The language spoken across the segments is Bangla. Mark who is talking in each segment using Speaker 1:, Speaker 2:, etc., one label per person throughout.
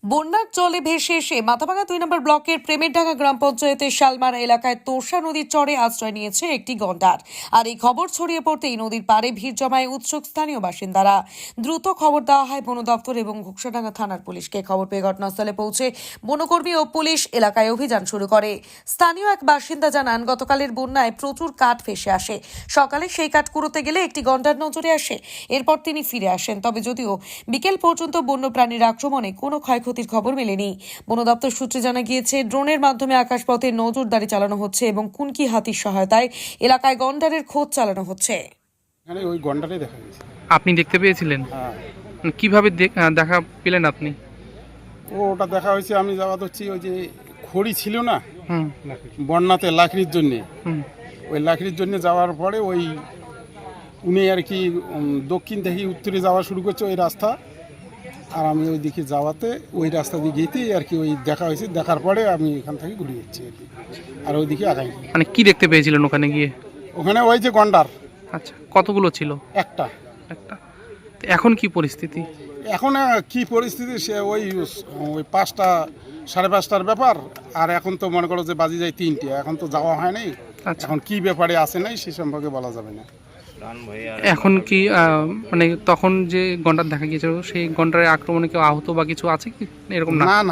Speaker 1: বন্যার জলে ভেসে এসে মাথাভাঙা 2 নম্বর ব্লকের প্রেমেরডাঙ্গা গ্রাম পঞ্চায়েতের শালমারা এলাকায় তোষা নদীর চরে আশ্রয় নিয়েছে একটি গন্ডার। আর এই খবর ছড়িয়ে পড়তেই নদীর পাড়ে ভিড় জমায় উৎসুক স্থানীয় বাসিন্দারা। দ্রুত খবর দেওয়া হয় বন দপ্তর এবং ঘোকসাডাঙ্গা থানার পুলিশকে। খবর পেয়ে ঘটনাস্থলে পৌঁছে বনকর্মী ও পুলিশ এলাকায় অভিযান শুরু করে। স্থানীয় এক বাসিন্দা জানান, গতকালের বন্যায় প্রচুর কাঠ ভেসে আসে। সকালে সেই কাঠ কুড়োতে গেলে একটি গন্ডার নজরে আসে। এরপর তিনি ফিরে আসেন। তবে যদিও বিকেল পর্যন্ত বন্যপ্রাণীর আক্রমণে কোনো ক্ষয়ক্ষতির খবর মেলেনি। বন দপ্তর সূত্রে জানা গিয়েছে, ড্রোনের মাধ্যমে আকাশপথে নজরদারি চালানো হচ্ছে এবং কুনকি হাতির সহায়তায় এলাকায় গন্ডারের খোঁজ চালানো হচ্ছে।
Speaker 2: এখানে ওই গন্ডারই দেখা গেছে।
Speaker 3: আপনি দেখতে পেয়েছিলেন?
Speaker 2: হ্যাঁ।
Speaker 3: কিভাবে দেখা পেলেন আপনি?
Speaker 2: ওটা দেখা হয়েছে, আমি যাওয়া হচ্ছি ওই যে খড়ি ছিল না
Speaker 3: হুম
Speaker 2: বন্যাতে লাকড়ির জন্যে,
Speaker 3: হুম
Speaker 2: ওই লাকড়ির জন্য যাওয়ার পরে ওই উনি আর কি দক্ষিণ থেকে উত্তরে যাওয়া শুরু করছে ওই রাস্তা, আর আমি ওই দিকে যাওয়াতে ওই রাস্তা দিয়ে গিয়েতেই আর কি ওই দেখা হয়েছে। দেখার পরে আমি এখান থেকে ঘুরে যাচ্ছি আর কি, আর ওইদিকে আগাই।
Speaker 3: মানে কি দেখতে পেয়েছিলেন ওখানে গিয়ে?
Speaker 2: ওখানে ওই যে গন্ডার।
Speaker 3: আচ্ছা, কতগুলো ছিল?
Speaker 2: একটা।
Speaker 3: তো এখন কি পরিস্থিতি?
Speaker 2: এখন কি পরিস্থিতি, সে ওই 5টা 5:30টার ব্যাপার, আর এখন তো মনে করো যে বাজি যায় 3টে, এখন তো যাওয়া হয় নাই।
Speaker 3: আচ্ছা,
Speaker 2: এখন কি ব্যাপারে আসে নাই সে সম্পর্কে বলা যাবে না।
Speaker 3: এখন কি মানে তখন যে গন্ডার দেখা গিয়েছিল সেই গন্ডারের আক্রমণে কেউ আহত বা কিছু আছে কি এরকম? না
Speaker 2: না না,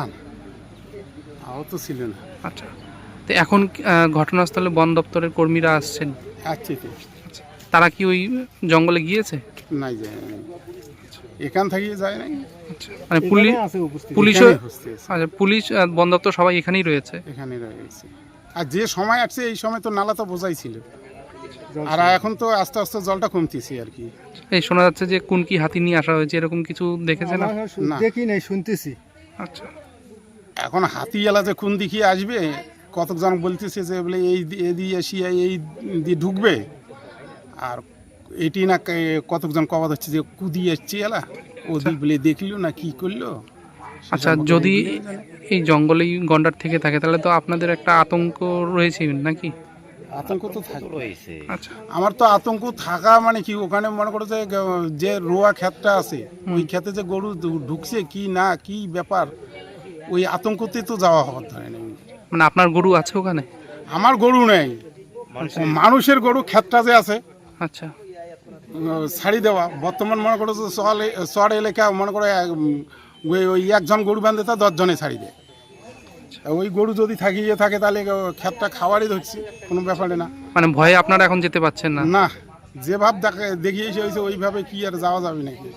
Speaker 2: আহত ছিল না।
Speaker 3: আচ্ছা, তো এখন ঘটনাস্থলে বন দপ্তরের কর্মীরা আসছেন?
Speaker 2: আচ্ছা,
Speaker 3: তারা কি ওই জঙ্গলে গিয়েছে?
Speaker 2: নাই যায় নাই, এখান থেকে যায় নাই।
Speaker 3: আচ্ছা, মানে পুলিশ আচ্ছা, পুলিশ বন দপ্তর সবাই এখানেই রয়েছে?
Speaker 2: এখানে রয়েছে। আর যে সময় আসছে এই সময় তো নালা তো বোঝাই ছিল, আর এখন তো আস্তে আস্তে জলটা কমতেছে আর কি।
Speaker 3: এই শোনা যাচ্ছে যে কোনকি হাতি নিয়ে আসা হয়েছে, এরকম কিছু দেখেছেন?
Speaker 2: না,
Speaker 4: দেখি নাই, শুনতেছি।
Speaker 3: আচ্ছা,
Speaker 2: এখন হাতি এলা যে কোন দিকে আসবে, কতজন বলতেছে যে বলে এই দিয়ে এসিয়া এই দিয়ে ঢুকবে, আর এটি না কতজন কবাদ হচ্ছে যে কুদি এসছে এলা ওদিক বলে দেখলো না কি করলো।
Speaker 3: আচ্ছা, যদি এই জঙ্গলেই গন্ডার থেকে থাকে তাহলে তো আপনাদের একটা আতঙ্ক রয়েছে নাকি?
Speaker 2: আতঙ্ক তো থাকে।
Speaker 3: আচ্ছা,
Speaker 2: আমার তো আতঙ্ক থাকা মানে কি, ওখানে মনে করো যে রোয়া ক্ষেতটা আছে, ওই ক্ষেতে যে গরু ঢুকছে কি না কি ব্যাপার, ওই আতঙ্কতে তো যাওয়া হওয়ার ধরে নেই।
Speaker 3: মানে আপনার গরু আছে ওখানে?
Speaker 2: আমার গরু নেই, মানুষের গরু ক্ষেতটা যে আছে।
Speaker 3: আচ্ছা,
Speaker 2: ছাড়ি দেওয়া বর্তমান মনে করো যে শহর এলাকা মনে করো ওই একজন গরু বাঁধে তা 10 জনে ছাড়ি দেয়। ওই গরু যদি থাকিয়ে থাকে তাহলে ক্ষেতটা খাওয়ারই ধরছি, কোনো ব্যাপারে না।
Speaker 3: মানে ভয়ে আপনারা এখন যেতে পারছেন না?
Speaker 2: না, যে ভাব দেখিয়েছে হয়েছে ওইভাবে কি আর যাওয়া যাবে নাকি।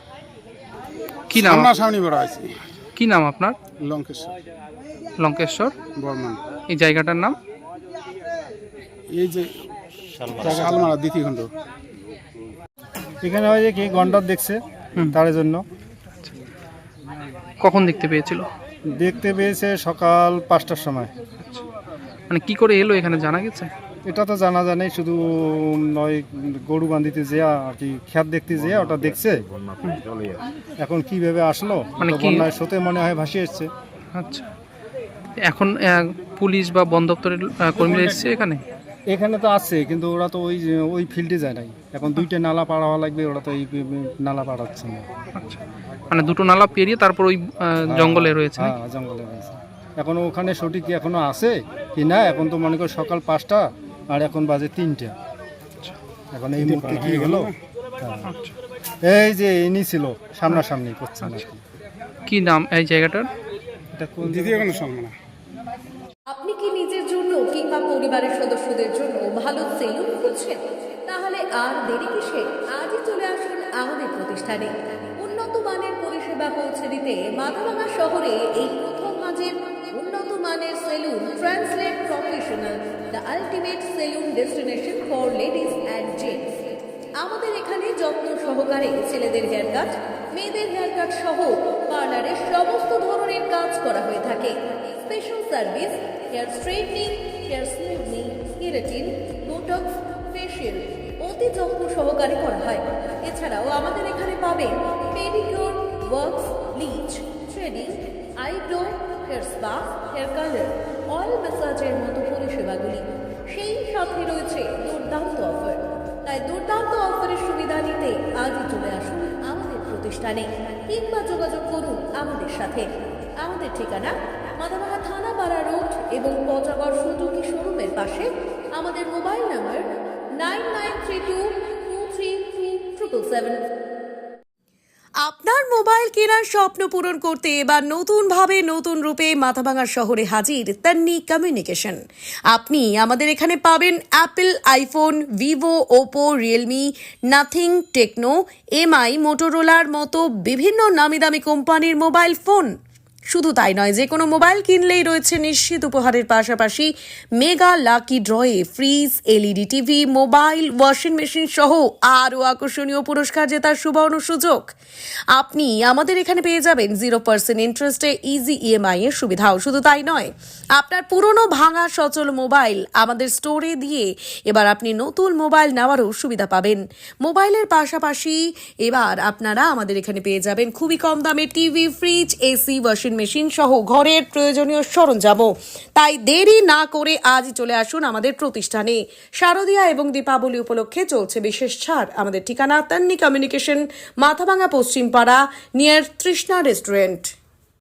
Speaker 3: কি নাম?
Speaker 2: সামনে বড় হয়েছে।
Speaker 3: কি নাম আপনার?
Speaker 2: লঙ্কেশ্বর।
Speaker 3: লঙ্কেশ্বর
Speaker 2: বর্মান।
Speaker 3: এই জায়গাটার নাম?
Speaker 2: এই যে শালমারা দ্বিতীয় খণ্ড।
Speaker 4: এখানে হয় যে কি গন্ডার দেখছে, তার জন্য।
Speaker 3: কখন দেখতে পেয়েছিল?
Speaker 4: দেখতে পেয়েছে সকাল 5টার সময়।
Speaker 3: মানে কি করে এলো এখানে জানা গেছে?
Speaker 4: এটা তো জানা যায় নাই, শুধু নয় গরু বান্ধিতে যে আর কি ক্ষেত দেখতে যে ওটা দেখছে। এখন কিভাবে আসলো,
Speaker 3: মানে কি
Speaker 4: বন্যার স্রোতে মনে হয় ভাসিয়ে এসছে।
Speaker 3: আচ্ছা, এখন পুলিশ বা বন দপ্তরের কর্মীরা এসেছে এখানে?
Speaker 4: এখানে তো আছে, কিন্তু ওরা তো ওই ফিল্ডে যায় নাই। এখন 2টে নালা পাড়াওয়া লাগবে, ওরা তো এই নালা পাড়াচ্ছে না।
Speaker 3: আচ্ছা, মানে 2টো নালা পেরিয়ে তারপর ওই জঙ্গলে রয়েছে?
Speaker 4: হ্যাঁ, জঙ্গলে রয়েছে। এখন ওখানে সঠিক কি এখনো আছে কি না, এখন তো মনে করি সকাল 5টা আর এখন বাজে 3টে। এখন এই মুহূর্তে কি হলো? এই যে ইনি ছিল সামনাসামনি করছে না।
Speaker 3: কি নাম এই জায়গাটার?
Speaker 4: এটা কোন
Speaker 2: দ্বিতীয় খণ্ড শালমারা।
Speaker 1: আপনি কি নিজের জন্য কিংবা পরিবারের সদস্যদের জন্য ভালো সেলুন খুঁজছেন? তাহলে আর দেরি কিসে? আজই চলে আসুন আমাদের প্রতিষ্ঠানে। উন্নত মানের পরিষেবা পৌঁছে দিতে মাথাভাঙা শহরে এই প্রথম মাঝের উন্নত মানের salon translate professional, the ultimate salon destination for ladies and gents. আমাদের এখানে যত্ন সহকারে ছেলেদের হেয়ার কাট, মেয়েদের হেয়ার কাট সহ পার্লারের সমস্ত ধরনের কাজ করা হয়ে থাকে। Special service, hair straightening, hair smoothing, keratin, botox, facial অতি যত্ন সহকারে করা হয়। এছাড়াও আমাদের এখানে পাবেন pedicure, wax, bleach, threading, eyebrow, hair spa, hair colour, oil ম্যাসাজের মতো পরিষেবাগুলি। সেই সাথে রয়েছে দুর্দান্ত অফার। তাই দুর্দান্ত অফারের সুবিধা নিতে আজই চলে আসুন আমাদের প্রতিষ্ঠানে। কিংবা যোগাযোগ করুন আমাদের সাথে। আমাদের ঠিকানা মাথাভাঙা থানাপাড়া রোড এবং পচাগড় সুজুকি শোরুমের পাশে। আমাদের মোবাইল নাম্বার 9932233777। আপনার মোবাইল কেনার স্বপ্ন পূরণ করতে এবার নতুনভাবে নতুন রূপে মাথাভাঙা শহরে হাজির তান্নি কমিউনিকেশন। আপনি আমাদের এখানে পাবেন Apple, iPhone, Vivo, Oppo, Realme, Nothing, Tecno, MI, মোটোরোলার মতো বিভিন্ন নামি দামি কোম্পানির মোবাইল ফোন। শুধু তাই নয়, যে কোনো মোবাইল কিনলেই রয়েছে নিশ্চিত উপহারের পাশাপাশি মেগা লাকি ড্রয়ে fridge, LED TV, mobile, washing machine সহ আরও আকর্ষণীয় পুরস্কার জেতার সুবর্ণ সুযোগ। আপনি আমাদের এখানে পেয়ে যাবেন 0% ইন্টারেস্টে ইজি ইএমআই এর সুবিধাও। শুধু তাই নয়, আপনার পুরনো ভাঙা সচল মোবাইল আমাদের স্টোরে দিয়ে এবার আপনি নতুন মোবাইল নেওয়ারও সুবিধা পাবেন। মোবাইলের পাশাপাশি এবার আপনারা আমাদের এখানে পেয়ে যাবেন খুবই কম দামে TV, fridge, AC, washing machine সহ ঘরের প্রয়োজনীয় সরঞ্জামও। তাই দেরি না করে আজই চলে আসুন আমাদের প্রতিষ্ঠানে। শারদীয়া এবং দীপাবলি উপলক্ষে চলছে বিশেষ ছাড়। আমাদের ঠিকানা Tanni communication, Mathabhanga Paschimpara, near Trishna restaurant.